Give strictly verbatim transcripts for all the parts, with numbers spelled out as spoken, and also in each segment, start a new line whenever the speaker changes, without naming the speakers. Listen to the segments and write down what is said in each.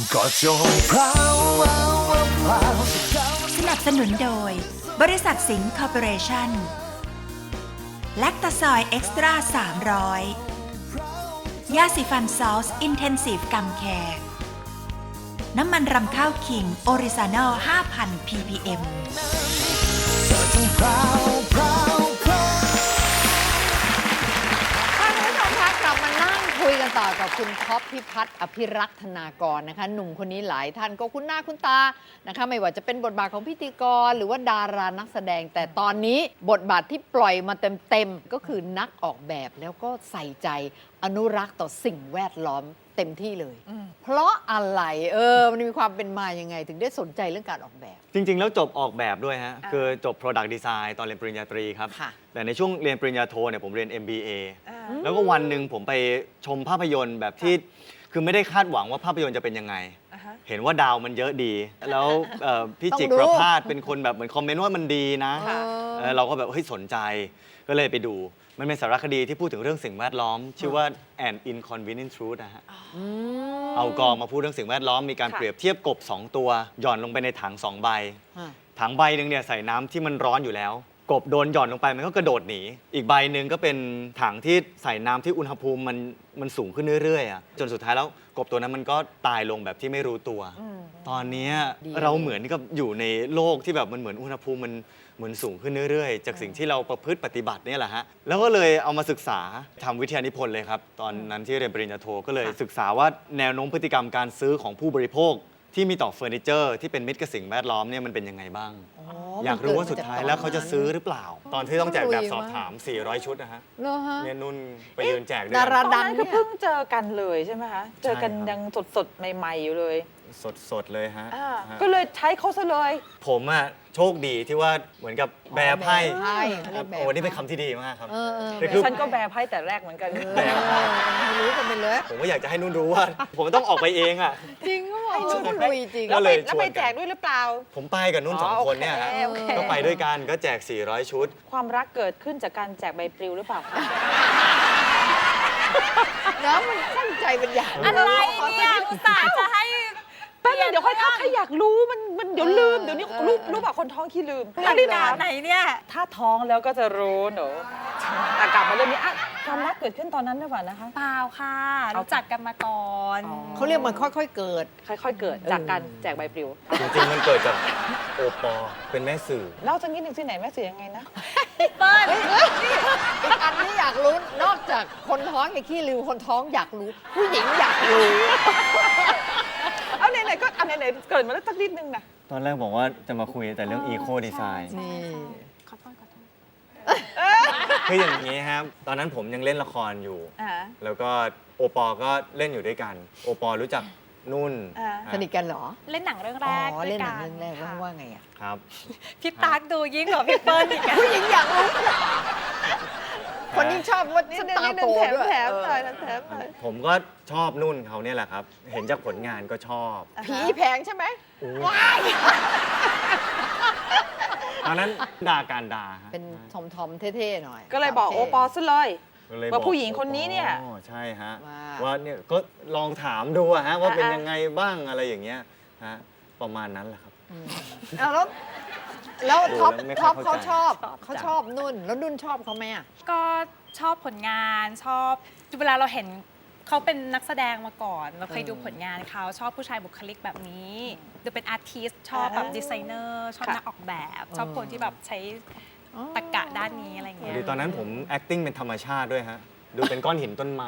ก็จงพราวพราวพราว
สนับสนุนโดยบริษัทสิงห์คอร์ปอเรชั่นแลคตาซอยเอ็กซ์ตร้าสามร้อยยาสีฟันซอสอินเทนซีฟกัมแคร์น้ำมันรำข้าวขิงออริซานอล ห้าพัน พี พี เอ็ม
ก็จงพราวพราวพราว
ค่ะคุณผู้ชมคะกลับมานั่งคุยกันต่อกับคุณท็อปพิพัฒน์อภิรักษ์ธนากรนะคะหนุ่มคนนี้หลายท่านก็คุ้นหน้าคุ้นตานะคะไม่ว่าจะเป็นบทบาทของพิธีกรหรือว่าดารานักแสดง แต่ตอนนี้บทบาทที่ปล่อยมาเต็มๆก็คือนักออกแบบแล้วก็ใส่ใจอนุรักษ์ต่อสิ่งแวดล้อมเต็มที่เลย เพราะอะไรเออมันมีความเป็นมายังไงถึงได้สนใจเรื่องการออกแบบ
จริง ๆ แล้วจบออกแบบด้วยฮะ คือจบ Product Design ตอนเรียนปริญญาตรีครับ
ค่ะ
แต่ในช่วงเรียนปริญญาโทเนี่ยผมเรียน เอ็ม บี เอ แล้วก็วันหนึ่งผมไปชมภาพยนตร์แบบที่ คือไม่ได้คาดหวังว่าภาพยนตร์จะเป็นยังไง เห็นว่าดาวมันเยอะดี แล้วเอ่อพี่จิกประภาสเป็นคนแบบเหมือนคอมเมนต์ว่ามันดีนะเออเราก็แบบเฮ้ยสนใจ ก็เลยไปดู มันเป็นสารคดีที่พูดถึงเรื่องสิ่งแวดล้อม ชื่อว่า An Inconvenient Truth นะฮะ เอากองมาพูดเรื่องสิ่งแวดล้อม มีการเปรียบเทียบกบสองตัว หย่อนลงไปในถังสองใบ ถังใบหนึ่งเนี่ยใส่น้ำที่มันร้อนอยู่แล้ว กบโดนหย่อนลงไปมันก็กระโดดหนี อีกใบหนึ่งก็เป็นถังที่ใส่น้ำที่อุณหภูมิมันมันสูงขึ้นเรื่อยๆอะจนสุดท้ายแล้วกบตัวนั้นมันก็ตายลงแบบที่ไม่รู้ตัว ตอนเนี้ยเราเหมือนกับอยู่ในโลกที่แบบมันเหมือนอุณหภูมิมันเหมือนสูงขึ้นเรื่อยๆ จากสิ่งที่เราประพฤติปฏิบัติเนี่ยแหละฮะ แล้วก็เลยเอามาศึกษาทำวิทยานิพนธ์เลยครับ ตอนนั้นที่เรียนปริญญาโทก็เลยศึกษาว่าแนวโน้มพฤติกรรมการซื้อของผู้บริโภคที่มีต่อเฟอร์นิเจอร์ที่เป็นมิตรกับสิ่งแวดล้อมเนี่ยมันเป็นยังไงบ้าง อยากรู้ว่าสุดท้ายแล้วเขาจะซื้อหรือเปล่า ตอนที่ต้องแจกแบบสอบถาม สี่ร้อย ชุดนะฮะ
เหรอฮะ
เนี่ยนุ่นไปยืนแจกด้วย
ดารา
กัน
ดัง
ก็
เนี่ย
เพิ่งเจอกันเลยใช่ไหมคะ เจอกัน
ใช่ครับ
ยังสดๆ ใหม่ๆ อยู่เลย
สดๆเลยฮะ
อ่า
ฮะ
ก็เลยใช้เขาซะเลย
ผมอะโชคดีที่ว่าเหมือนกับแบร์ไพ่
แบร์ไพ่เขาเรียกแบร์ไพ่
โอ้นี่เป็นคำที่ดีมากครับ
เออเออ
แต่คือ
ฉันก็แบร์ไพ่แต่แรกเหมือนกัน
แบร์ไพ่
ไม่รู้กันไปเลย
ผมก็อยากจะให้นุ่นรู้ว่า ผมต้องออกไปเองอะ
จริงก็บอกเขาลุยจริง
ก็
แล้ว
เล
ไป
ย
แล้วไปแจกด้วยหรือเปล่า
ผมไปกับนุ่นสอง
อ๋อ
คนเนี่ยฮะ
โอเคโอเค
ก็ไปด้วยกันก็แจก สี่ร้อย ชุด
ความรักเกิดขึ้นจากการแจกใบปลิวหรือเปล่าคะ
น้ำมันตั้งใจเป็นอย่าง
อะไร
เนี่ยอุตส่าห์จะให้
แป๊บนึงเดี๋ยวค่อยทักใครอยากรู้มันมันเดี๋ยวลืม เดี๋ยวนี้รู้รู้ป่ะคนท้องขี้ลืม
นาฬิกาไหนเนี่ย
ถ้าท้องแล้วก็จะรู้หนูแต่กลับมาเรื่องนี้อะความรักเกิดขึ้นตอนนั้นหรือเปล่านะคะ
เปล่าค่ะ
เอา
รู้จักกันมาก่อน
อ๋อ
เขาเรียกมันค่อยๆเกิด
ค่อยๆ เกิดจากการแจกใบปลิว
จริงๆ มันเกิดจากโอปอเป็นแม่สื่อ
เล่าสักนิดหนึ่งสิไหนแม่สื่อยังไงนะ
เปิ้ล
อีกอันที่อยากรู้นอกจากคนท้องอย่างขี้ลืมคนท้องอยากรู้ ผู้หญิงอยากรู้
เอาไหนๆก็เอาไหนๆเกิดมาแล้วสักนิดนึงนะ
ตอนแรกบอกว่าจะมาคุยแต่เรื่อง Eco Design
นี่
ขอโทษขอโทษ
คืออย่างนี้ครับ ตอนนั้นผมยังเล่นละครอยู่
อ่า
แล้วก็โอปอก็เล่นอยู่ด้วยกัน โอปอรู้จักนุ่น
อ่า
สนิทกันเหรอ
เล่นหนังเรื่อง
อ๋
แรก
อ
ด้ว
เล่น
ย
หนั
กั
ง
น
เรื่องแรกว่า
ค่ะ
ว่าไงอ่ะ
ครับ
พี่ตั๊กดูยิ่งกว่าพี่เปิ้ลอีกอะ
ผู้หญิงอยากรู้ คนยิ่งชอบว่า
นิด
ฉัน
นึง
ตา
นิดนึ
โต
งแถม
ด้วย
แถม
เออ
หน่อยแถมหน่อย
ผมก็ชอบนุ่นเขาเนี่ยแหละครับ เห็นจากผลงานก็ชอบ
ผีแพงใช่ไหม
ตอนนั้นด่าการด่าฮะ
เป็นทอมทอมๆเท่ๆหน่อย
ก็เลยบอก
ท่
โอปอซะเลย
ก็เลย
ว่าผู้หญิงคนนี้เนี่ย
อ๋อใช่ฮะ
ว่า
ว่าเนี่ยก็ลองถามดูอะฮะว่าเป็น
อ่ะ
ยังไงบ้างอะไรอย่างเงี้ยฮะประมาณนั้นแหละครับ
เอาแล้วแล้วท็อป
ดูแล้วไม่ค่
ท็
อ
อย ป
เข้า
เขา
ใจ
ชอบเขาชอบนุ่น แล้วนุ่นชอบเขาไหมอ่ะ
ก็ชอบผลงานชอบเวลาเราเห็นเขาเป็นนักแสดงมาก่อน เราเคยดูผลงานเขาชอบผู้ชายบุคลิกแบบนี้ดูเป็นอาร์ติสชอบแบบดีไซเนอร์ชอบ
ค่ะ
นักออกแบบ ชอบคนที่แบบใช้ตรรกะด้านนี้อะไรเงี้ย
ดีตอนนั้นผม acting เป็นธรรมชาติด้วยฮะ ดูเป็นก้อนหินต้นไม้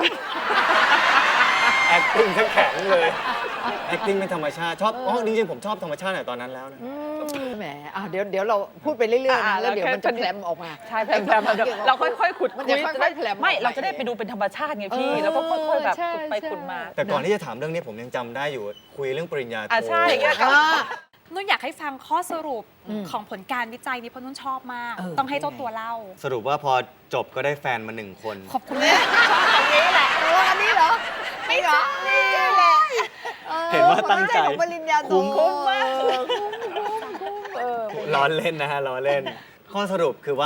acting ทั้งแข็งเลย acting เป็นธรรมชาติชอบอ๋อจริงๆผมชอบธรรมชาติแต่ตอนนั้นแล้วนะ
แหมอ่ะเดี๋ยวเดี๋ยวเราพูดไปเรื่อยๆ
อ่า
นะแล้วเดี๋ยว
แล้ว
มันจะ
แค่
แผลมออกมา
ใช่แพรมแพรมเดี๋ยวเราค่อยๆขุด
มัน
คุ
จะ
ย
ค่อยๆแผลมออก
ไม่
มา
เราจะได้ไปดูเป็นธรรมชาติไงพี่
เออ
แล้วก็ค่อยๆแบบ
ใช่
ขุดไป
ใช่
ขุดมา
แต่ก่อนที่จะถามเรื่องนี้ผมยังจำได้อยู่คุยเรื่องปริญญาโท
อ่ะใช่อย่างเงี้ย
อ่า
นุ่นอยากให้ฟังข้อสรุป
อืม
ของผลการวิจัยนี้เพราะนุ่นชอบมาก
เออ
ต้องให้เจ้าตัวเล่า
สรุปว่าพอจบก็ได้แฟนมาหนึ่งคน
ขอบคุณแม่
เอออันนี้เหรอไม่เหรอนี่แหละออ
เห็นว่าตั้งใจ
ผลของปริญญาโท
คุ้ม
คุ้มมากคุ้มคุ้มคุ้มเออ
ล้อเล่นนะฮะล้อเล่น ข้อสรุปคือว่า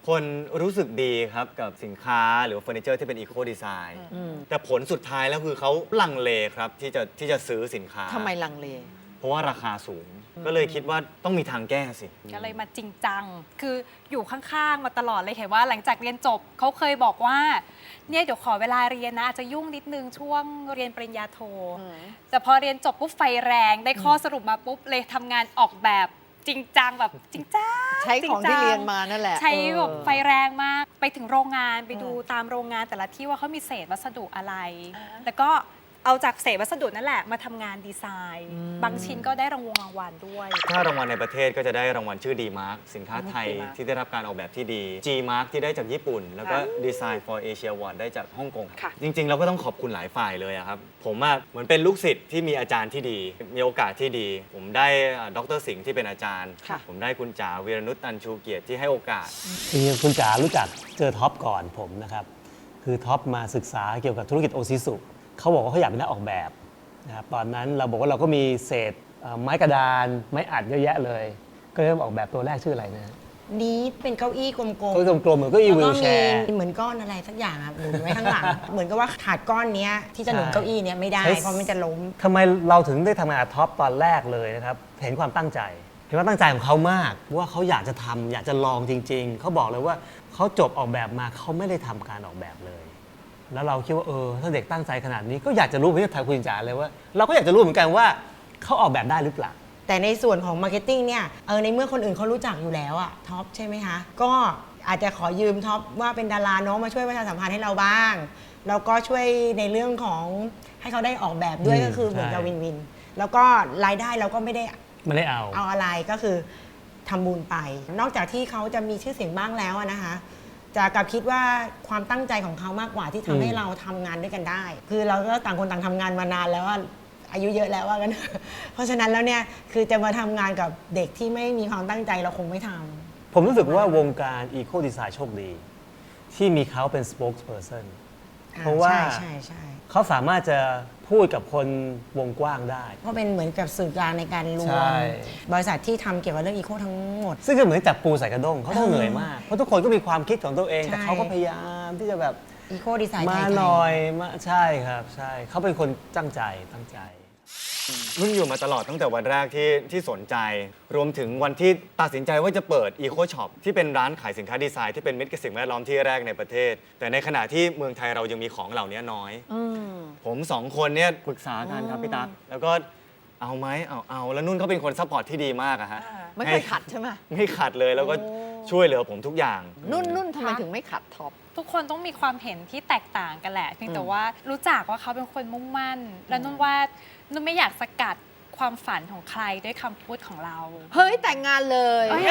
คนรู้สึกดีครับกับสินค้าหรือเฟอร์นิเจอร์ที่เป็นอีโคดีไซน์แต่ผลสุดท้ายแล้วคือเขาลังเลครับที่จะที่จะซื้อสินค้า
ทำไมลังเล
เพราะว่าราคาสูง ก็เลยคิดว่าต้องมีทางแก้สิ
ก็เลยมาจริงจัง คืออยู่ข้างๆ มาตลอดเลยเห็นว่าหลังจากเรียนจบเขาเคยบอกว่าเนี่ยเดี๋ยวขอเวลาเรียนนะอาจจะยุ่งนิดนึงช่วงเรียนปริญญาโท แต่พอเรียนจบปุ๊บไฟแรงได้ข้อสรุปมาปุ๊บเลยทำงานออกแบบจริงจังแบบจริงจัง
ใช้ของที่เรียนมานั่นแหละ
ใช้แบบ
เออ
ไฟแรงมากไปถึงโรงงานไปดูตามโรงงานแต่ละที่ว่าเขามีเศษวัสดุอะไร แล้วก็เอาจากเศษวัสดุนั่นแหละมาทำงานดีไซน์ บางชิ้นก็ได้รางวงรางวัลด้วย
ถ้ารางวัลในประเทศก็จะได้รางวัลชื่อ D Mark สินค้าไทย
D-Mark
ที่ได้รับการออกแบบที่ดี G Mark ที่ได้จากญี่ปุ่น แล้วก็ Design for Asia Award ได้จากฮ่องกง
ค่ะ
จริง ๆ เราก็ต้องขอบคุณหลายฝ่ายเลยอะครับ ผมอะเหมือนเป็นลูกศิษย์ที่มีอาจารย์ที่ดี มีโอกาสที่ดี ผมได้ดรสิงห์ที่เป็นอาจารย์
ค่ะ
ผมได้คุณจ๋าวีรนุชตันชูเกียรติที่ให้โอกาส
จริงๆคุณจ๋ารู้จักเจอท็อปก่อนผมนะครับ คือท็อปมาศึกษาเกี่ยวกับธุรกิจโอซิสุเขาบอกว่าเขาอยากเป็นนักออกแบบนะครับตอนนั้นเราบอกว่าเราก็มีเศษเอ่อไม้กระดาน ไม้อัดเยอะแยะเลย ก็เริ่มออกแบบตัวแรกชื่ออะไรนะ
นี้เป็นเก้าอี้กลมๆ
ก็กลมๆเหมือนเก็อี
แล้ว
วิ
ก็
ลแช
มี
ร์
เหมือนก้อนอะไรสักอย่างครับหนุนไว้ข้างหลัง เหมือนกับว่าขาดก้อนเนี้ยที่จะหนุน
ใช่
เก้าอี้เนี้ยไม่ได้
ใช้
เพราะมันจะล้ม
ทำไมเราถึงได้ทำงานกับท็อปตอนแรกเลยนะครับ เห็นความตั้งใจ เห็นความตั้งใจของเขามาก ว่าเขาอยากจะทำอยากจะลองจริง ๆ เขาบอกเลยว่าเขาจบออกแบบมาเขาไม่ได้ทำการออกแบบเลย แล้วเราคิดว่าเออถ้าเด็กตั้งใจขนาดนี้ก็อยากจะรู้เหมือนที่ทางคุณจ๋าเลยว่า เราก็อยากจะรู้เหมือนกันว่าเขาออกแบบได้หรือเปล่า
แต่ในส่วนของมาร์เก็ตติ้งเนี่ยเออในเมื่อคนอื่นเขารู้จักอยู่แล้วอะท็อปใช่ไหมคะ ก็อาจจะขอยืมท็อปว่าเป็นดาราเน้องมาช่วยประชาสัมพันธ์ให้เราบ้าง แล้วก็ช่วยในเรื่องของให้เขาได้ออกแบบด้วย
อืม
ก็คือเหมือนกับ
ใช่
วินวิน แล้วก็รายได้เราก็ไม่ได้
ไม่ได้เอา
เอาอะไรก็คือทำบุญไป นอกจากที่เขาจะมีชื่อเสียงบ้างแล้วอะนะคะ จะกลับคิดว่าความตั้งใจของเขามากกว่าที่ทำให้
อืม
เราทำงานด้วยกันได้ คือเราก็ต่างคนต่างทำงานมานานแล้วอะอายุเยอะแล้วว่ากัน เพราะฉะนั้นแล้วเนี่ยคือจะมาทำงานกับเด็กที่ไม่มีความตั้งใจเราคงไม่ทำ
ผมรู้สึกว่าวงการอีโคดีไซน์โชคดี ที่มีเขาเป็น spokesperson เพราะว่า
ใช่ใช่ใช่
เขาสามารถจะพูดกับคนวงกว้างได้
ก็เป็นเหมือนกับสื่อกลางในการรว
ใช่
มบริษัทที่ทำเกี่ยวกับเรื่องอีโคทั้งหมด
ซึ่งก็เหมือนจับปูใส่กระด้งเขาต้องเหนื่อยมาก เพราะทุกคนก็มีความคิดของตัวเอง
ใช่
แต่เขาก็พยายามที่จะแบบ
อีโคดีไซน์ไท
มาย
ๆ
หน่อยมาใช่ครับใช่เขาเป็นคนตั้งใจตั้งใจ
นุ่นอยู่มาตลอดตั้งแต่วันแรกที่ที่สนใจ รวมถึงวันที่ตัดสินใจว่าจะเปิด Eco Shop ที่เป็นร้านขายสินค้าดีไซน์ที่เป็นมิตรกับสิ่งแวดล้อมที่แรกในประเทศ แต่ในขณะที่เมืองไทยเรายังมีของเหล่านี้น้อย ผมสองคนเนี่ยปรึกษากันครับพี่ตั๊กแล้วก็เอาไหมเอาเอาแล้วนุ่นเขาเป็นคนซัพพอร์ตที่ดีมากอะฮะ
ไม่เคยขัดใช่ไหม
ไม่ขัดเลยแล้วก็ช่วยเหลือผมทุกอย่าง
นุ่นนุ่นทำไมถึงไม่ขัดท็อป
ทุกคนต้องมีความเห็นที่แตกต่างกันแหละเพียงแต่ว่ารู้จักว่าเขาเป็นคนมุ่งมั่น และนุ่นว่านุ่นไม่อยากสกัดความฝันของใครด้วยคำพูดของเรา
เฮ้ย แต่งงานเลย
เอ้ย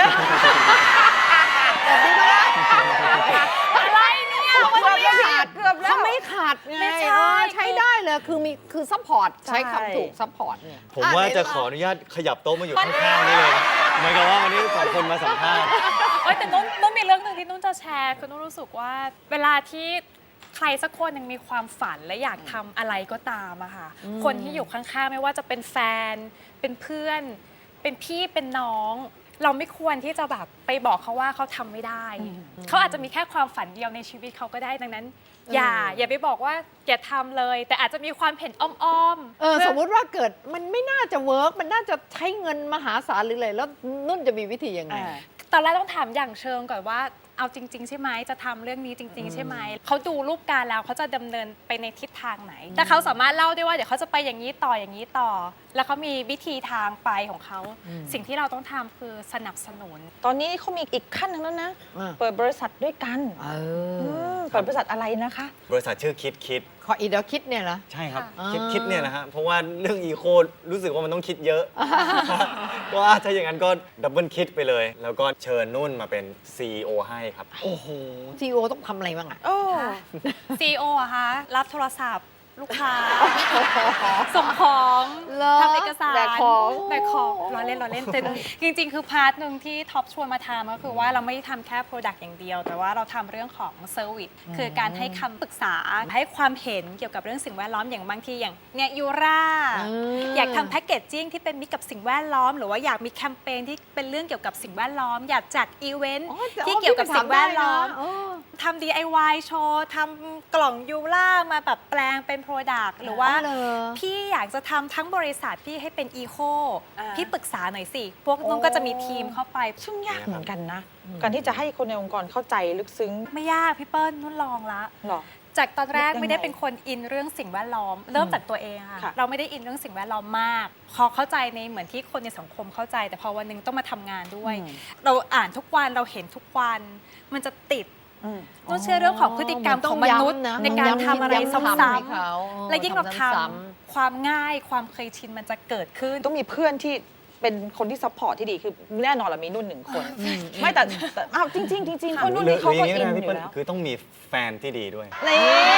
อะไรเนี่ยมันไม่ขาดเกือบแล้วเขาไม่ขาดไง
ไม่ใช่
เออใช้ได้เลยคือมีคือซัพพอร์ตใช้คำถูกซัพพอร์ตเนี่ย
ผมว่าจะขออนุญาตขยับโต๊ะมาอยู่ข้างๆนี่เลยเหมือนกับว่าวันนี้สองคนมาสัมภาษณ์
เอ้ยแต่นุ่นนุ่นมีเรื่องหนึ่งที่นุ่นจะแชร์คือนุ่นรู้สึกว่าเวลาที่ใครสักคนหนึ่งมีความฝันและอยากทำอะไรก็ตามอะค่ะคนที่อยู่ข้างๆไม่ว่าจะเป็นแฟน เป็นเพื่อน เป็นพี่เป็นน้อง เราไม่ควรที่จะแบบไปบอกเขาว่าเขาทำไม่ได้ เขาอาจจะมีแค่ความฝันเดียวในชีวิตเขาก็ได้ดังนั้น อย่าอย่าไปบอกว่าอย่าทำเลย แต่อาจจะมีความเห็นอ้อมๆ
เออสมมุติว่าเกิดมันไม่น่าจะเวิร์กมันน่าจะใช้เงินมหาศาลหรืออะไรแล้วนุ่นจะมีวิธียังไง
ตอนแรกต้องถามอย่างเชิงก่อนว่าเอาจริง ๆ ใช่ไหมจะทำเรื่องนี้จริง ๆ ใช่ไหมเขาดูรูปการแล้วเขาจะดำเนินไปในทิศทางไหน แต่เขาสามารถเล่าได้ว่าเดี๋ยวเขาจะไปอย่างนี้ต่ออย่างนี้ต่อ แล้วเขามีวิธีทางไปของเขา สิ่งที่เราต้องทำคือสนับสนุน
ตอนนี้เขามีอีกขั้นหนึงแล้วนะ
อ่า
เปิดบริษัทด้วยกัน
เอ
อื
อ
มเปิดบริษัทอะไรนะคะ
บริษัทชื่อคิดคิด
ขออีเดอคิดเนี่ยนะ
ใช่ครับ
ค่ะ
คิดคิดเนี่ยนะฮะเพราะว่าเรื่องอีโครู้สึกว่ามันต้องคิดเยอะ ว่าถ้าอย่างนั้นก็ดับเบิลคิดไปเลย แล้วก็เชิญนุ่นมาเป็น ซี อี โอ ให้ครับ
โอ้โหซีอีโอต้องทำอะไรบ้างอะ
โอ้
ซี อี โอ อะคะรับโทรศัพท์ลูกค้า ส่งของ
เหรอ
ทำเอกสาร
แบกของ
แบกของล้อเล่นล้อเล่นแต่จริงๆ คือพาร์ทหนึ่งที่ท็อปชวนมาทำก็คือว่าเราไม่ได้ทำแค่ Product อย่างเดียว แต่ว่าเราทำเรื่องของ Service คือการให้คำปรึกษาให้ความเห็นเกี่ยวกับเรื่องสิ่งแวดล้อมอย่างบางทีอย่างเนี่ยยูรา
อืม
อยากทำแพคเกจจิ้งที่เป็นมิตรกับสิ่งแวดล้อม หรือว่าอยากมีแคมเปญที่เป็นเรื่องเกี่ยวกับสิ่งแวดล้อม อยากจัดอีเวนต์
อ๋อแต่
ที่เกี่ยวกับสิ่งแวดล้อม
พี่ไปถามได้นะเออ
ทำ ดี ไอ วาย โชว์ทำกล่องยูล่ามาแบบแปลงเป็น Product หรือว่า
อ๋อเหรอ
พี่อยากจะทำทั้งบริษัทพี่ให้เป็นอีโค
อ่า
พี่ปรึกษาหน่อยสิ พวกนุ่นก็จะมีทีมเข้าไป
ซึ่งยากเหมือนกันนะ การที่จะให้คนในองค์กรเข้าใจลึกซึ้ง
ไม่ยากพี่เปิ้ลนุ่นลองละ
หรอ
จากตอนแรก
ยังไง
ไม่ได้เป็นคนอินเรื่องสิ่งแวดล้อม เริ่มจากตัวเองค่ะ
ค่ะ
เราไม่ได้อินเรื่องสิ่งแวดล้อมมาก พอเข้าใจในเหมือนที่คนในสังคมเข้าใจ แต่พอวันหนึงต้องมาทำงานด้วย เราอ่านทุกวันเราเห็นทุกวัน มันจะติด
อืม
นุ่นเชื่อเรื่องของพฤติกรรมของมนุษย์
มันต้องย้ำนะ
ในการทำอะไร
ย้ำ
ซ้
ให้
ำ
เขา
ๆและยิ่งเราท
ซ้
ำความง่ายความเคยชินมันจะเกิดขึ้น
ต้องมีเพื่อนที่เป็นคนที่ซัพพอร์ตที่ดีคือแน่นอนเรามีนุ่นหนึ่งคน ไม่แต่แต่อ้าวจริงจริงๆจริงๆเพราะนุ่น
หรือ
นี่เขา
หรืออ
ก็
ย่างนี้
อิ
ก็
น
ได้
อ
พี่
ยู่
เปิ้ล
แล้ว
คือต้องมีแฟนที่ดีด้วย
นี่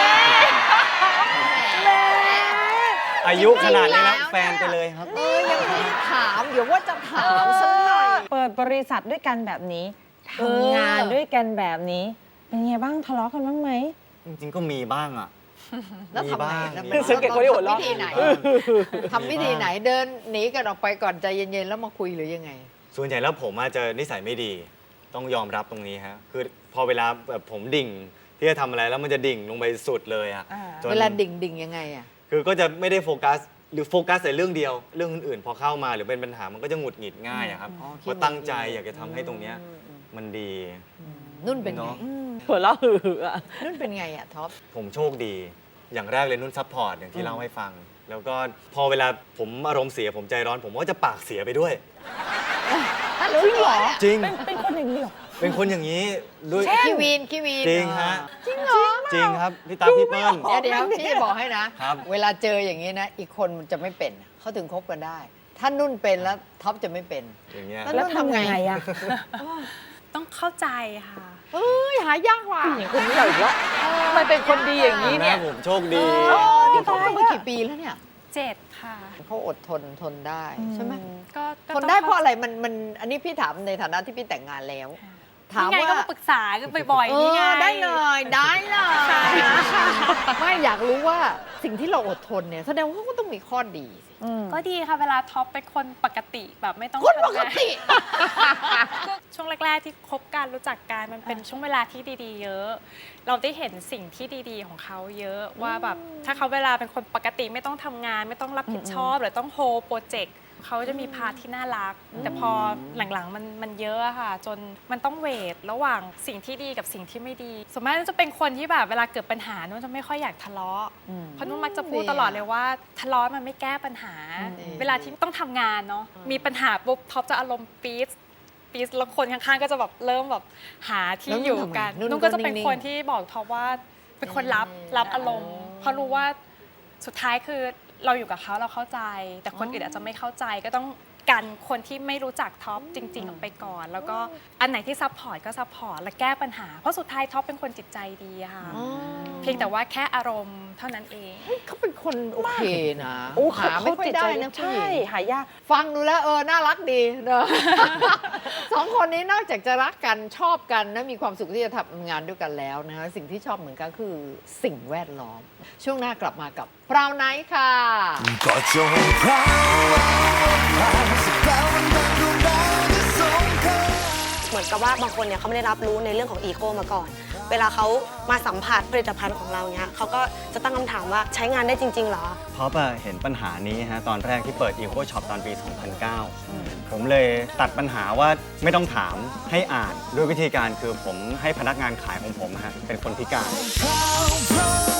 อายุขนาดนี้แล้วแฟนไปเลยครับ
ำเออยังไม่ได้ถาม เดี๋ยวว่าจะถามสักหน่อย
เปิดบริษัทด้วยกันแบบนี้
เออ
ทำงานด้วยกันแบบนี้ เป็นไงบ้างทะเลาะกันบ้างไหม
จริงๆก็มีบ้างอ่ะ
แล้ว
มี
ทำไง
บ้าง
แล้ว
มี
มัน
บ้าง
สังเกตคนที่หัวเราะ
ทำวิธีไหนทำวิธีไหนเดินหนีกันออกไปก่อนใจเย็นๆแล้วมาคุยหรือยังไง
ส่วนใหญ่แล้วผมอาจจะนิสัยไม่ดี ต้องยอมรับตรงนี้ฮะคือพอเวลาแบบผมดิ่งที่จะทำอะไรแล้วมันจะดิ่งลงไปสุดเลยอะ
อ่า
จน
เวลาดิ่งดิ่งๆยังไงอ่ะ
คือก็จะไม่ได้โฟกัสหรือโฟกัสแต่เรื่องเดียว เรื่องอื่นๆพอเข้ามาหรือเป็นปัญหามันก็จะหงุดหงิดง่ายอะครับ
อ๋อขี้
ก็ตั้งใจ
หงุดหงิด
อยากจะทำให้ตรงเนี้ยมันดี
นุ่นเป็นไง
เนาะ
หัวเราะหือๆอะ
นุ่นเป็นไงอ่ะท็อป
ผมโชคดี อย่างแรกเลยนุ่นซัพพอร์ตอย่างที่เล่าให้ฟัง แล้วก็พอเวลาผมอารมณ์เสียผมใจร้อน ผมก็จะปากเสียไปด้วย
ถ้ารู้เหรอ
จริง
เป็นคนอย่างนี้เหรอ
เป็นคนอย่างนี้ด้วย
ขี้วีนขี้วีน
จริงฮะ
จริงเหรอ
จริงครับพี่ตาพี่เปิ้ล
เดี๋ยวเดี๋ยวพี่จะบอกให้นะ
ครับ
เวลาเจออย่างนี้นะ อีกคนมันจะไม่เป็น เขาถึงคบกันได้ ถ้านุ่นเป็นแล้วท็อปจะไม่เป็น
อย่างเงี้ย
แล้ว
แล้วทำยังไงอะ
ต้องเข้าใจค่ะ
เอ้ยหายากว่ะ
อย่างคนนี้เราอีกแล้ว
ทำไมเป็นคนดีอย่างนี้
นี้
เนี่
เนี่ย ยผมโชคดี
นี่เขาคบมากี่ปีแล้วเนี่ย
เจ็ดค่ะ
เขาอดทนทนได้ใช่ไหม
ก็ก็
ทนได้เพราะอะไรมันมันอันนี้พี่ถามในฐานะที่พี่แต่งงานแล้ว ถาม
นี่ไง
ว่า
ก็มาปรึกษากันบ่อย
เอ
ๆนี่ไง
อได้เลยได้เลยไม่อยากรู้ว่าสิ่งที่เราอดทนเนี่ยแสดงว่าเขาก็ต้องมีข้อดีสิ
ก็ดีค่ะเวลาท็อปเป็นคนปกติแบบไม่ต้อง
คนปก
ทำงาน
ติ
ก็ช่วงแรก ๆ ที่คบกันรู้จักกันมันเป็นช่วงเวลาที่ดีๆ เยอะ เราได้เห็นสิ่งที่ดีๆ ของเขาเยอะว่าแบบถ้าเขาเวลาเป็นคนปกติไม่ต้องทำงาน ไม่ต้องรับผิดชอบหรือต้องโฮโปรเจกต์เขาจะมีพาร์ทที่น่ารัก แต่พอหลังๆมันมันเยอะอะค่ะ จนมันต้องเวทระหว่างสิ่งที่ดีกับสิ่งที่ไม่ดีส่วนมากจะเป็นคนที่แบบเวลาเกิดปัญหานุ่นจะไม่ค่อยอยากทะเลาะเพราะนุ่นมักจะพูดตลอดเลยว่าทะเลาะมันไม่แก้ปัญหา เวลาที่ต้องทำงานเนาะมีปัญหาปุ๊บท็อปจะอารมณ์ปี๊ดปี๊ดแล้วคนข้างๆก็จะแบบเริ่มแบบหาที่
แล้วนุ่น
อยู่
ทำไง
กัน
นุ่น
นุ่นก็จะเป็น
ก็นิ่งๆ
คนที่บอกท็อปว่าเป็นคนรับรับอารมณ์ เพราะรู้ว่าสุดท้ายคือเราอยู่กับเขาเราเข้าใจ แต่คนอื่นอาจจะไม่เข้าใจก็ต้องกันคนที่ไม่รู้จักท็อปจริง ๆ ออกไปก่อน แล้วก็อันไหนที่ซัพพอร์ตก็ซัพพอร์ตและแก้ปัญหาเพราะสุดท้ายท็อปเป็นคนจิตใจดีอะค่ะเพียงแต่ว่าแค่อารมณ์เท่านั้นเอง
เขาเป็นคนโอเคนะ
โอ้
หาไม่ค่อยได้นะผู้
ใช่
หญิง
หายาก
ฟังดูแล้วเออ น่ารักดีเนอะ สองคนนี้นอกจากจะรักกันชอบกันนะมีความสุขที่จะทำงานด้วยกันแล้วนะสิ่งที่ชอบเหมือนกันคือสิ่งแวดล้อม ช่วงหน้ากลับมากับพราวไนท์ค่ะ
ก็จงพราวพราวสักคราววันดังดวงดาวที่ส่งเธอ
เหมือนกับว่าบางคนเนี่ยเขาไม่ได้รับรู้ในเรื่องของอีโคมาก่อน เวลาเขามาสัมผัสผลิตภัณฑ์ของเราเนี่ยเขาก็จะตั้งคำถามว่าใช้งานได้จริงๆเหรอ
เพราะว่าเห็นปัญหานี้ฮะตอนแรกที่เปิด Eco Shop ตอนปี สองพันเก้า ผมเลยตัดปัญหาว่าไม่ต้องถามให้อ่านด้วยวิธีการคือผมให้พนักงานขายของผมฮะเป็นคนพิการ
พราวพราว